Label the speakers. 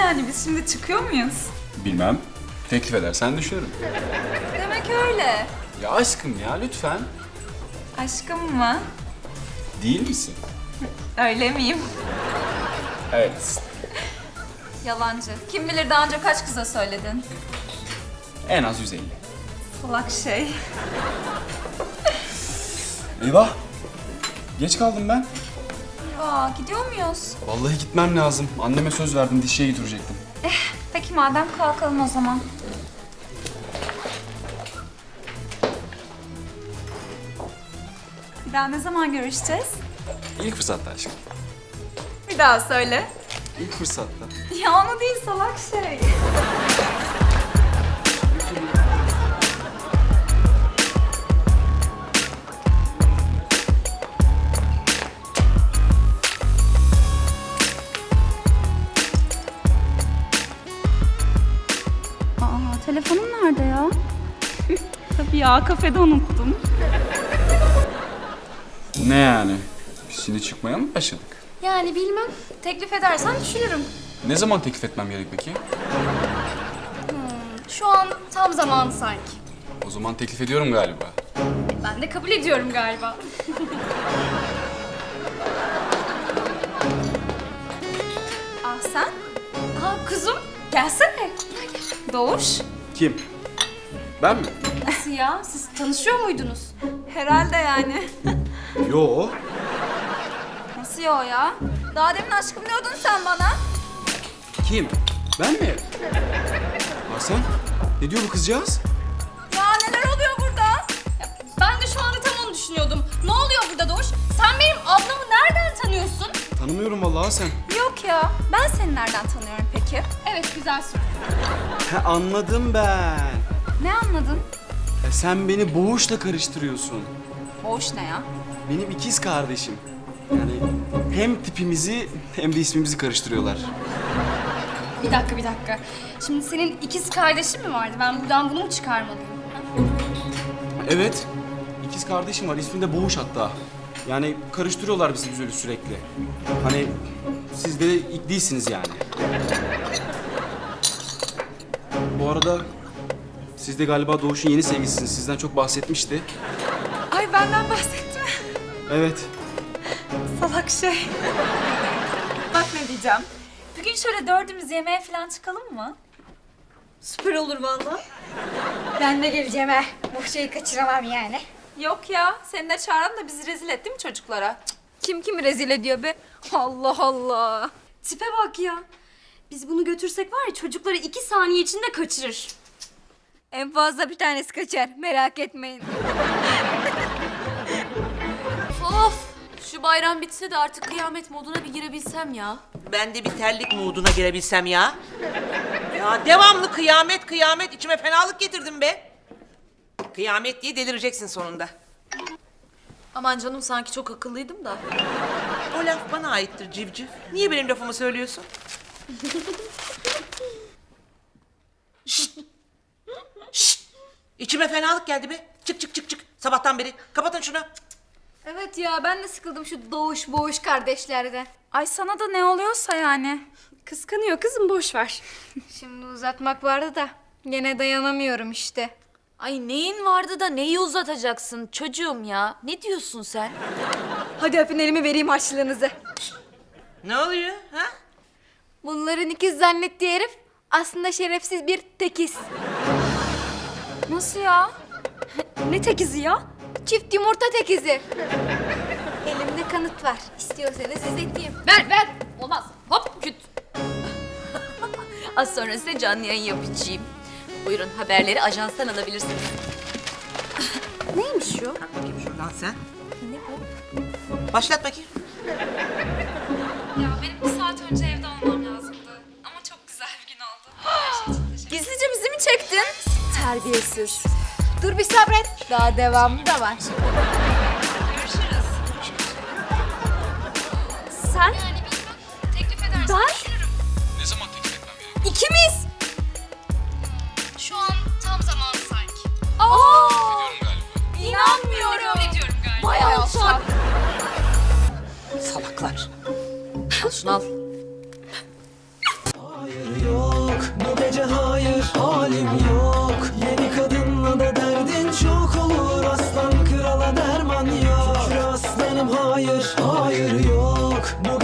Speaker 1: yani? Biz şimdi çıkıyor muyuz?
Speaker 2: Bilmem. Teklif edersen düşünürüm.
Speaker 1: Demek öyle.
Speaker 2: Ya aşkım ya lütfen.
Speaker 1: Aşkım mı?
Speaker 2: Değil misin?
Speaker 1: Öyle miyim?
Speaker 2: Evet.
Speaker 1: Yalancı. Kim bilir daha önce kaç kıza söyledin?
Speaker 2: En az 150.
Speaker 1: Salak şey.
Speaker 2: Eyvah. Geç kaldım ben.
Speaker 1: Aa, gidiyor muyuz?
Speaker 2: Vallahi gitmem lazım. Anneme söz verdim, dişçiye götürecektim.
Speaker 1: Peki madem kalkalım o zaman. Bir daha ne zaman görüşeceğiz?
Speaker 2: İlk fırsatta aşkım.
Speaker 1: Bir daha söyle.
Speaker 2: İlk fırsatta.
Speaker 1: Ya onu değil salak şey.
Speaker 3: Aa, telefonum nerede ya?
Speaker 1: Tabii ya kafede unuttum.
Speaker 2: Ne yani? Biz şimdi çıkmaya mı başladık?
Speaker 3: Yani bilmem. Teklif edersen düşünürüm.
Speaker 2: Ne zaman teklif etmem gerek peki?
Speaker 3: Şu an tam zamanı sanki.
Speaker 2: O zaman teklif ediyorum galiba.
Speaker 3: Ben de kabul ediyorum galiba.
Speaker 1: Ah sen?
Speaker 3: Aa kuzum.
Speaker 1: Gelsene. Doğuş.
Speaker 2: Kim? Ben mi?
Speaker 3: Nasıl ya? Siz tanışıyor muydunuz?
Speaker 1: Herhalde yani.
Speaker 2: Yo.
Speaker 1: Nasıl ya o ya? Daha demin aşkım diyordun sen bana.
Speaker 2: Kim? Ben mi? Hasan? Ne diyor bu kızcağız?
Speaker 1: Ya neler oluyor burada?
Speaker 3: Ben de şu anda tam onu düşünüyordum. Ne oluyor burada Doğuş? Sen benim ablamı nereden tanıyorsun?
Speaker 2: Tanımıyorum vallahi Hasan.
Speaker 1: Yok ya. Ben seni nereden tanıyorum peki?
Speaker 3: Evet güzel soru.
Speaker 2: He anladım ben.
Speaker 1: Ne anladın?
Speaker 2: Sen beni Boğuş'la karıştırıyorsun.
Speaker 1: Boğuş ne ya?
Speaker 2: Benim ikiz kardeşim. Yani hem tipimizi hem de ismimizi karıştırıyorlar.
Speaker 3: Bir dakika. Şimdi senin ikiz kardeşin mi vardı? Ben buradan bunu mu çıkarmalıyım?
Speaker 2: Evet. İkiz kardeşim var. İsmi de Boğuş hatta. Yani karıştırıyorlar bizi böyle sürekli. Hani siz de ilk değilsiniz yani. Bu arada siz de galiba Doğuş'un yeni sevgilisiniz. Sizden çok bahsetmişti.
Speaker 1: Ay benden bahsetti mi?
Speaker 2: Evet.
Speaker 1: Salak şey. Bak ne diyeceğim. Bugün şöyle dördümüz yemeğe falan çıkalım mı?
Speaker 3: Süper olur vallahi.
Speaker 4: Ben de geleceğim ha. Bu şeyi kaçıramam yani.
Speaker 1: Yok ya. Seni de çağıralım da bizi rezil et değil mi çocuklara? Cık, kim kimi rezil ediyor be? Allah Allah.
Speaker 3: Tipe bak ya. Biz bunu götürsek var ya çocukları 2 saniye içinde kaçırır.
Speaker 4: En fazla bir tanesi kaçar. Merak etmeyin.
Speaker 5: Of! Şu bayram bitse de artık kıyamet moduna bir girebilsem ya.
Speaker 6: Ben de bir terlik mooduna girebilsem ya. Ya devamlı kıyamet kıyamet içime fenalık getirdim be. Kıyamet diye delireceksin sonunda.
Speaker 5: Aman canım sanki çok akıllıydım da.
Speaker 6: O laf bana aittir civciv. Niye benim lafımı söylüyorsun? Şşt! Şşt! İçime fenalık geldi be. Çık çık çık çık. Sabahtan beri. Kapatın şunu.
Speaker 4: Evet ya ben de sıkıldım şu doğuş boğuş kardeşlerden.
Speaker 1: Ay sana da ne oluyorsa yani.
Speaker 3: Kıskanıyor kızım boş ver.
Speaker 4: Şimdi uzatmak vardı da gene dayanamıyorum işte.
Speaker 5: Ay neyin vardı da neyi uzatacaksın çocuğum ya? Ne diyorsun sen?
Speaker 4: Hadi öpün elimi vereyim harçlığınızı.
Speaker 6: Ne oluyor ha?
Speaker 4: Bunların ikiz zannettiği herif aslında şerefsiz bir tekiz.
Speaker 1: Nasıl ya?
Speaker 4: Ne tekizi ya? Çift yumurta tekizi. Elimde kanıt var. İstiyorsanız izleteyim.
Speaker 5: Ver! Olmaz. Hop küt. Az sonra size canlı yayın yapacağım. Buyurun haberleri ajanstan alabilirsiniz.
Speaker 3: Neymiş o?
Speaker 6: Bakayım şuradan sen. Ne bu? Başlat bakayım.
Speaker 1: Ya benim bir saat önce evde olmam lazımdı. Ama çok güzel bir gün oldu. Gizlice bizi mi çektin?
Speaker 4: Terbiyesiz. Dur bir sabret. Daha devamı da var.
Speaker 1: Görüşürüz.
Speaker 4: Sen?
Speaker 1: Teklif edersen
Speaker 4: Ben?
Speaker 2: Ne zaman teklif etmem gerek?
Speaker 4: İkimiz.
Speaker 3: Şu an tam zamanı sanki.
Speaker 4: Aa!
Speaker 2: Diyorum galiba.
Speaker 4: İnanmıyorum.
Speaker 1: ediyorum galiba.
Speaker 4: Vay alçak.
Speaker 6: Salaklar.
Speaker 5: Al şunu al.
Speaker 7: Hayır halim yok. Yeni kadınla da derdin çok olur. Aslan krala derman yok. Şükür aslanım hayır, hayır yok. Bu